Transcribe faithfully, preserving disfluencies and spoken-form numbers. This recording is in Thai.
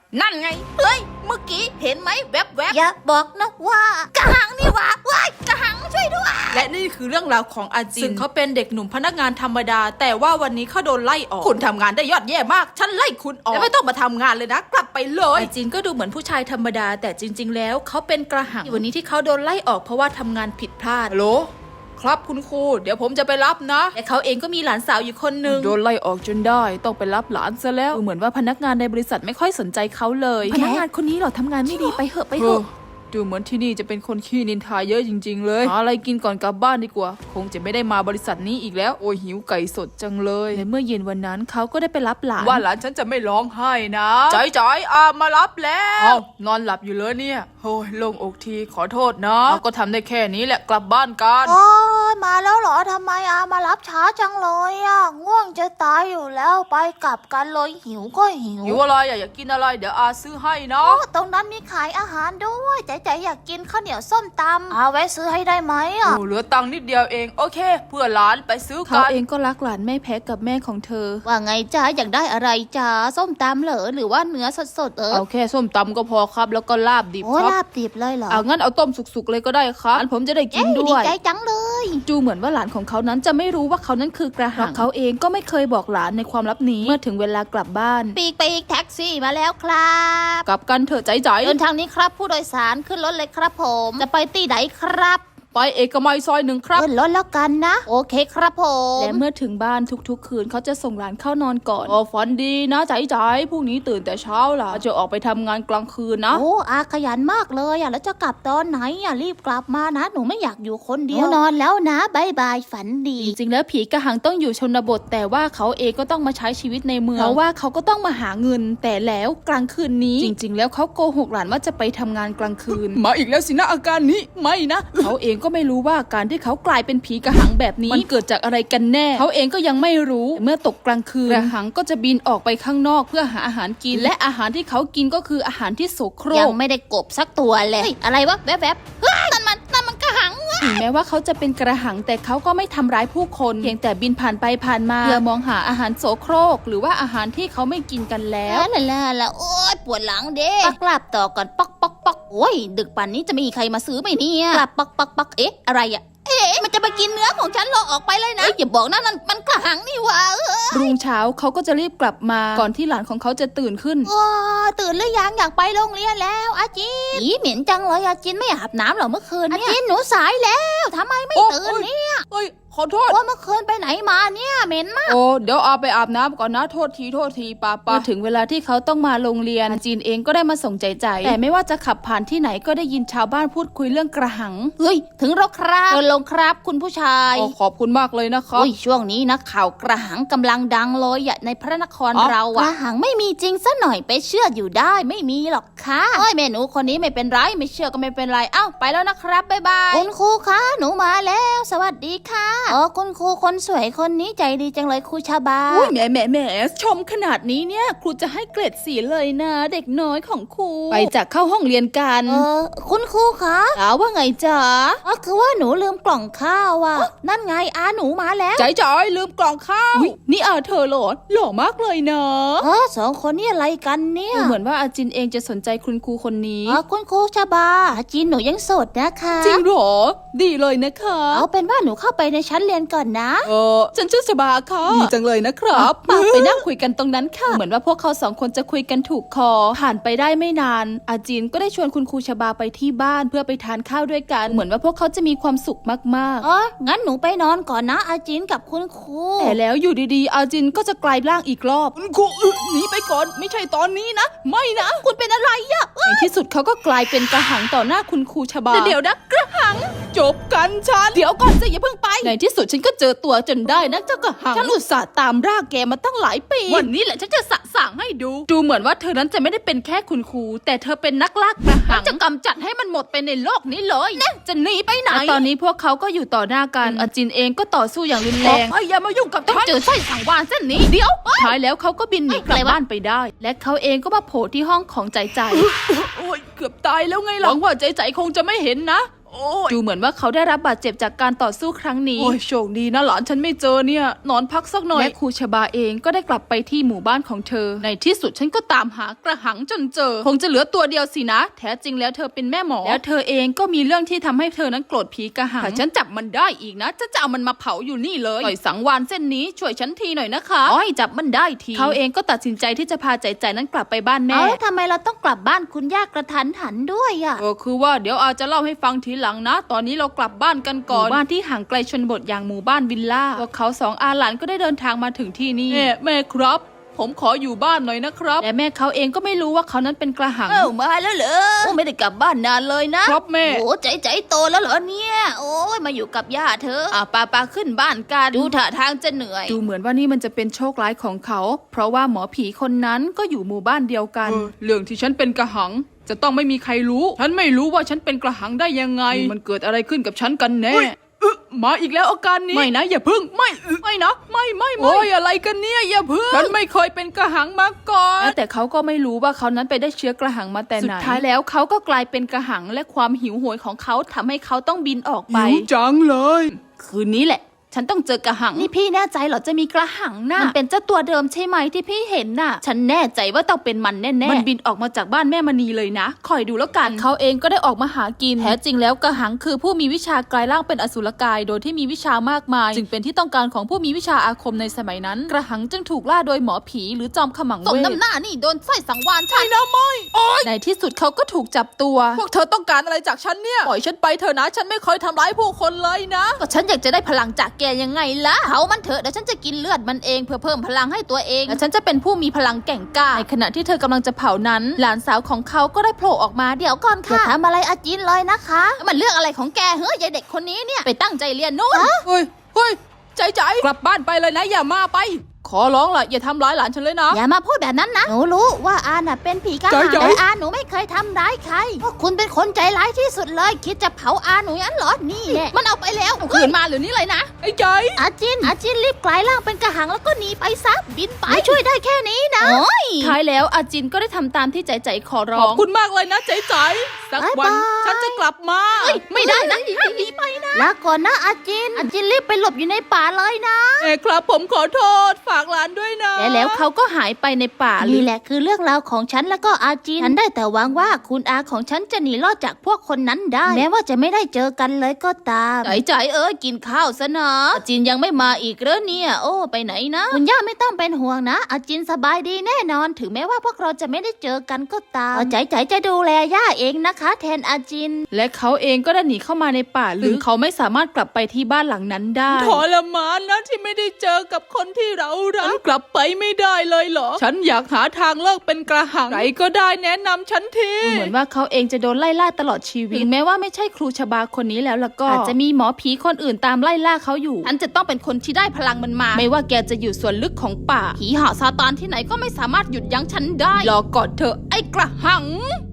นั่นไงเฮ้ยเมื่อกี้เห็นไหมแวบๆอย่าบอกนะว่ากระหังนี่หว่าว้ายกระหังช่วยด้วยและนี่คือเรื่องราวของอาจินซึ่งเขาเป็นเด็กหนุ่มพนักงานธรรมดาแต่ว่าวันนี้เขาโดนไล่ออกคุณทำงานได้ยอดเยี่ยมมากฉันไล่คุณออกและไม่ต้องมาทำงานเลยนะกลับไปเลยอาจินก็ดูเหมือนผู้ชายธรรมดาแต่จริงๆแล้วเขาเป็นกระหังวันนี้ที่เขาโดนไล่ออกเพราะว่าทำงานผิดพลาดฮัลโหลครับคุณครูเดี๋ยวผมจะไปรับนะแต่เขาเองก็มีหลานสาวอยู่คนหนึ่งโดนไล่ออกจนได้ต้องไปรับหลานซะแล้วเหมือนว่าพนักงานในบริษัทไม่ค่อยสนใจเขาเลยพนักงานคนนี้หรอทำงานไม่ดีไปเหอะไปเหอะดูเหมือนที่นี่จะเป็นคนขี้นินทาเยอะจริงๆเลยหาอะไรกินก่อนกลับบ้านดีกว่าคงจะไม่ได้มาบริษัทนี้อีกแล้วโอ้ยหิวไก่สดจังเลยและเมื่อเย็นวันนั้นเขาก็ได้ไปรับหลานว่าหลานฉันจะไม่ร้องไห้นะจอยจอยอามารับแล้วอ้าวนอนหลับอยู่เลยเนี่ยโอ้ยโล่งอกทีขอโทษนะเราก็ทำได้แค่นี้แหละกลับบ้านกันโอ้ยมาแล้วเหรอทำไมอามารับช้าจังเลยอ่ะง่วงจะตายอยู่แล้วไปกลับกันเลยหิวก็หิวหิวอะไรอะอยากกินอะไรเดี๋ยวอาซื้อให้นะโอ้ตรงนั้นมีขายอาหารด้วยใจใจอยากกินข้าวเหนียวส้มตำอาแวะซื้อให้ได้ไหมอ่ะโอ้เหลือตังค์นิดเดียวเองโอเคเพื่อหลานไปซื้อกันเขาเองก็รักหลานไม่แพ้กับแม่ของเธอว่าไงจ้าอยากได้อะไรจ้าส้มตำเหรอหรือว่าเนื้อสดๆเออเอาแค่ส้มตำก็พอครับแล้วก็ลาบดิบโอ้ครับลาบดิบเลยเหรอเอางั้นเอาต้มสุกๆเลยก็ได้ครับอันผมจะได้กินเอ้ยด้ดีวยใจจังเลยดูเหมือนว่าหลานของเขานั้นจะไม่รู้ว่าเขานั้นคือกระหังเขาเองก็ไม่เคยบอกหลานในความลับนี้เมื่อถึงเวลากลับบ้านปีกไปอีกแท็กซี่มาแล้วครับกลับกันเถอะใจใจเดินทางนี้ครับผู้โดยสารขึ้นรถเลยครับผมจะไปที่ไหนครับไปเอกมัยซอยหนึ่งครับขึ้นรถแล้วกันนะโอเคครับผมและเมื่อถึงบ้านทุกๆคืนเขาจะส่งหลานเข้านอนก่อนอ๋อฝันดีนะใจใจพรุ่งนี้ตื่นแต่เช้าล่ะจะออกไปทำงานกลางคืนนะโอ้อาขยันมากเลยอ่ะแล้วจะกลับตอนไหนอ่ะรีบกลับมานะหนูไม่อยากอยู่คนเดียวนอนแล้วนะบายบายฝันดีจริงๆแล้วผีกระหังต้องอยู่ชนบทแต่ว่าเขาเองก็ต้องมาใช้ชีวิตในเมืองเพราะว่าเขาก็ต้องมาหาเงินแต่แล้วกลางคืนนี้จริงๆแล้วเขาโกหกหลานว่าจะไปทำงานกลางคืน มาอีกแล้วสินะอาการนี้ไม่นะ เขาเองก็ไม่รู้ว่าการที่เขากลายเป็นผีกระหังแบบนี้มันเกิดจากอะไรกันแน่เขาเองก็ยังไม่รู้เมื่อตกกลางคืนกระหังก็จะบินออกไปข้างนอกเพื่อหาอาหารกินและอาหารที่เขากินก็คืออาหารที่โสโครยังกไม่ได้กบสักตัวเลยเฮ้ยอะไรวะแวบๆเฮ้ยนั่นมันนั่นมันกระหังถึงแม้ว่าเขาจะเป็นกระหังแต่เขาก็ไม่ทำร้ายผู้คนเพียงแต่บินผ่านไปผ่านมาเพื่อมองหาอาหารโสโครกหรือว่าอาหารที่เขาไม่กินกันแล้วแล้วละละละโอ๊ยปวดหลังเด้ปักกลับต่อก่อนปักปักปักโอ้ยดึกป่านนี้จะมีใครมาซื้อไหมเนี่ยกลับปักปักปักเอ๊ะอะไรอ่ะเอ๊ะมันจะมากินเนื้อของฉันหรอออกไปเลยนะอย่าบอกนะนั่นมันกระหังนี่หว่าเออรุ่งเช้าเขาก็จะรีบกลับมาก่อนที่หลานของเขาจะตื่นขึ้นโอ้ตื่นหรือยังอยากไปโรงเรียนแล้วอาจินอีเหม็นจังเลยอาจินไม่อาบน้ำเหรอเมื่อคืนเนี่ยอาจินหนูสายแล้วทำไมไม่ตื่นเนี่ยเอ้ยขอโทษว่าเมื่อคืนไปไหนมาเนี่ยเหม็นมากโอ้เดี๋ยวเอาไปอาบน้ำก่อนนะโทษทีโทษทีป้าป้าถึงเวลาที่เขาต้องมาโรงเรียนจีนเองก็ได้มาส่งใจใจแต่ไม่ว่าจะขับผ่านที่ไหนก็ได้ยินชาวบ้านพูดคุยเรื่องกระหังเฮ้ยถึงแล้วครับเดินลงครับคุณผู้ชายโอ้ขอบคุณมากเลยนะครับโอ้ยช่วงนี้นะข่าวกระหังกำลังดังเลยอะในพระนครอ๋อเราอะกระหังไม่มีจริงซะหน่อยไปเชื่ออยู่ได้ไม่มีหรอกค่ะโอ้ยแม่หนูคนนี้ไม่เป็นไรไม่เชื่อก็ไม่เป็นไรเอ้าไปแล้วนะครับบ๊ายบายคุณครูคะหนูมาแล้ว สวัสดีค่ะอ๋อคุณครูคนสวยคนนี้ใจดีจังเลยครูชาบาอุ้ยแหมแหมแหมชมขนาดนี้เนี่ยครูจะให้เกรดสีเลยนะ เด็กน้อยของครูไปจากเข้าห้องเรียนกันเออคุณครูคะถามว่าไงจ๊ะอ๋อคือว่าหนูลืมกล่องข้าวอะนั่นไงอาหนูมาแล้วใจจอยลืมกล่องข้าวนี่อาเธอเหรอหล่อมากเลยเนาะเออสองคนนี่อะไรกันเนี่ยดูเหมือนว่าอาจินเองจะสนใจคุณครูคนนี้อ๋อคุณครูชาบาจีนหนูยังโสดนะคะจริงเหรอดีเลยนะคะเอาเป็นว่าหนูเข้าไปในชั้นเรียนก่อนนะเออฉันชื่อสบาค่ะดีจังเลยนะครับป้าไปนั่งคุยกันตรงนั้นค่ะ เหมือนว่าพวกเขาสองคนจะคุยกันถูกคอ ผ่านไปได้ไม่นาน อาจินก็ได้ชวนคุณครูชบาไปที่บ้านเพื่อไปทานข้าวด้วยกัน เหมือนว่าพวกเขาจะมีความสุขมากอ๋องั้นหนูไปนอนก่อนนะอาจินกับคุณครูๆ แต่แล้วอยู่ดีๆ อาจินก็จะกลายร่างอีกรอบ คุณครูหนีไปก่อนไม่ใช่ตอนนี้นะ ไม่นะ คุณเป็นอะไรอะในที่สุดเขาก็กลายเป็นกระหังต่อหน้าคุณครูชบาเดี๋ยวนะกระหัง จบกันฉันเดี๋ยวก่อนสิอย่าเพิ่งไปในที่สุดฉันก็เจอตัวจนได้นะเจ้ากระหังฉันอุตส่าห์ตามร่าแกมาตั้งหลายปีวันนี้แหละฉันจะสะสางให้ดู ดูเหมือนว่าเธอนั้นจะไม่ได้เป็นแค่คุณครูแต่เธอเป็นนักล่ากระหังจะกำจัดให้มันหมดไปในโลกนี้เลยนะจะหนีไปไหนตอนนี้พวกเขาก็อยู่ต่อหน้ากันอาจินเองก็ต่อสู้อย่างรุนแรงอย่ามายุ่งกับฉันเจอสร้อยสังวานเส้นนี้เดี๋ยวท้ายแล้วเขาก็บินหนีกลับบ้านไปได้ และเขาเองก็มาโผล่ที่ห้องของใจใจโอ้ยเกือบตายแล้วไงหลังว่าใจใจคงจะไม่เห็นนะโอ้ยดูเหมือนว่าเขาได้รับบาดเจ็บจากการต่อสู้ครั้งนี้ โอ้ยโชคดีนะหลานฉันไม่เจอเนี่ยนอนพักสักหน่อยและครูชบาเองก็ได้กลับไปที่หมู่บ้านของเธอในที่สุดฉันก็ตามหากระหังจนเจอคงจะเหลือตัวเดียวสินะแท้จริงแล้วเธอเป็นแม่หมอแล้วเธอเองก็มีเรื่องที่ทำให้เธอนั้นโกรธผีกระหังถ้าฉันจับมันได้อีกนะจะจะเอามันมาเผาอยู่นี่เลยปล่อยสังวานเส้นนี้ช่วยฉันทีหน่อยนะคะอ๋อให้จับมันได้ทีเขาเองก็ตัดสินใจที่จะพาใจใจนั้นกลับไปบ้านแม่เอาแล้วทำไมเราต้องกลับบ้านคุณย่ากระทันหันด้วยอ่ะเออคือว่าเดี๋ยวอาจจะเล่าให้ฟังทีหลังนะ ตอนนี้เรากลับบ้านกันก่อนหมู่บ้านที่ห่างไกลชนบทอย่างหมู่บ้านวิลล่าพวกเขาสองอาหลานก็ได้เดินทางมาถึงที่นี่แม่แม่ครับ ผมขออยู่บ้านหน่อยนะครับและแม่เขาเองก็ไม่รู้ว่าเขานั้นเป็นกระหังเอ้ามาแล้วเหรอโอ้ไม่ได้กลับบ้านนานเลยนะครับแม่โอ้ใจใจโตแล้วเหรอเนี่ยโอ้ยมาอยู่กับย่าเธออ่ะปาปาขึ้นบ้านกันดูท่าทางจะเหนื่อยดูเหมือนว่านี่มันจะเป็นโชคร้ายของเขา เพราะว่าหมอผีคนนั้นก็อยู่หมู่บ้านเดียวกัน เรื่องที่ฉันเป็นกระหังจะต้องไม่มีใครรู้ ฉันไม่รู้ว่าฉันเป็นกระหังได้ยังไง มันเกิดอะไรขึ้นกับฉันกันแน่มาอีกแล้วอาการนี้ไม่นะอย่าพึ่งไม่ไม่นะไม่ไม่ไม่โอ้ยอะไรกันเนี่ยอย่าพึ่งฉันไม่เคยเป็นกระหังมาก่อนแต่เขาก็ไม่รู้ว่าเขานั้นไปได้เชื้อกระหังมาแต่ไหนสุดท้ายแล้วเขาก็กลายเป็นกระหังและความหิวโหยของเขาทำให้เขาต้องบินออกไปหิวจังเลยคืนนี้แหละฉันต้องเจอกระหังนี่พี่แน่ใจเหรอจะมีกระหังน่ะมันเป็นเจ้าตัวเดิมใช่ไหมที่พี่เห็นน่ะ ฉันแน่ใจว่าต้องเป็นมันแน่ๆมันบินออกมาจากบ้านแม่มณีเลยนะคอยดูแล้วกันเขาเองก็ได้ออกมาหากินแท้จริงแล้วกระหังคือผู้มีวิชากลายร่างเป็นอสุรกายโดยที่มีวิชามากมายจึงเป็นที่ต้องการของผู้มีวิชาอาคมในสมัยนั้นกระหังจึงถูกล่าโดยหมอผีหรือจอมขมังสมเวทน้ำหน้านี่โดนไส้สังวานใช่นะไม่โอ๊ยในที่สุดเขาก็ถูกจับตัวพวกเธอต้องการอะไรจากฉันเนี่ยปล่อยฉันไปเถอะนะฉันไม่เคยทำร้ายผู้คนเลยนะก็ฉันอยากจะได้พลังจากแกยังไงล่ะเผามันเถอะเดี๋ยวฉันจะกินเลือดมันเองเพื่อเพิ่มพลังให้ตัวเองและฉันจะเป็นผู้มีพลังแกร่งกล้าในขณะที่เธอกำลังจะเผานั้น หลานสาวของเขาก็ได้โผล่ออกมาเดี๋ยวเดี๋ยวก่อนค่ะอย่าทำอะไรอาจินเลยนะคะมันเรื่องอะไรของแกเฮ้ยยายเด็กคนนี้เนี่ยไปตั้งใจเรียนนู่นเฮ้ยเฮ้ยใจใจกลับบ้านไปเลยนะอย่ามาไป ขอร้องล่ะอย่าทำร้ายหลานฉันเลยนะอย่ามาพูดแบบนั้นนะหนูรู้ว่าอาน่ะเป็นผีกระหังใจๆแต่อาหนูไม่เคยทำร้ายใครพวกคุณเป็นคนใจร้ายที่สุดเลยคิดจะเผาอาหนูงั้นเหรอนี่แหละมันเอาไปแล้วขืนมาหรือนี่เลยนะไอ้ใจอาจินอาจินรีบกลายร่างเป็นกระหังแล้วก็หนีไปซะบินไปช่วยได้แค่นี้นะโอ้ยท้ายแล้วอาจินก็ได้ทำตามที่ใจใจขอร้ขออบงคุณมากเลยนะใจใจสักวันบ๊ายบายฉันจะกลับมาไม่ได้นะห้ามหนีไปนะลาก่อนนะอาจินอาจินรีบไปหลบอยู่ในป่าเลยนะเอ้ครับผมขอโทษฝากหลานด้วยนะและแล้วเขาก็หายไปในป่าลึนี่กแหละคือเรื่องราวของฉันแล้วก็อาจินฉันได้แต่หวังว่าคุณอาของฉันจะหนีรอดจากพวกคนนั้นได้ แม้ว่าจะไม่ได้เจอกันเลยก็ตามใจใจเอ้ยกินข้าวซะนะอาจินยังไม่มาอีกเหรอเนี่ย โอ้ไปไหนนะคุณย่าไม่ต้องเป็นห่วงนะ อาจินสบายดีแน่นอน ถึงแม้ว่าพวกเราจะไม่ได้เจอกันก็ตามใจใจจะดูแลย่าเองนะคะ แทนอาจินและเขาเองก็ได้หนีเข้ามาในป่าลึกเขาไม่สามารถกลับไปที่บ้านหลังนั้นได้ทรมานนะที่ไม่ได้เจอกับคนที่เรารักกลับไปไม่ได้เลยเหรอ ฉันอยากหาทางเลิกเป็นกระหังใครก็ได้แนะนำฉันทีเหมือนว่าเขาเองจะโดนไล่ล่าตลอดชีวิตถึงแม้ว่าไม่ใช่ครูชบาคนนี้แล้วล่ะก็อาจจะมีหมอผีคนอื่นตามไล่ล่าเขาอยู่ฉันจะต้องเป็นคนที่ได้พลังมันมา ไม่ว่าแกจะอยู่ส่วนลึกของป่าผีหาซาตานที่ไหนก็ไม่สามารถหยุดยั้งฉันได้รอก่อนเถอะไอ้กระหัง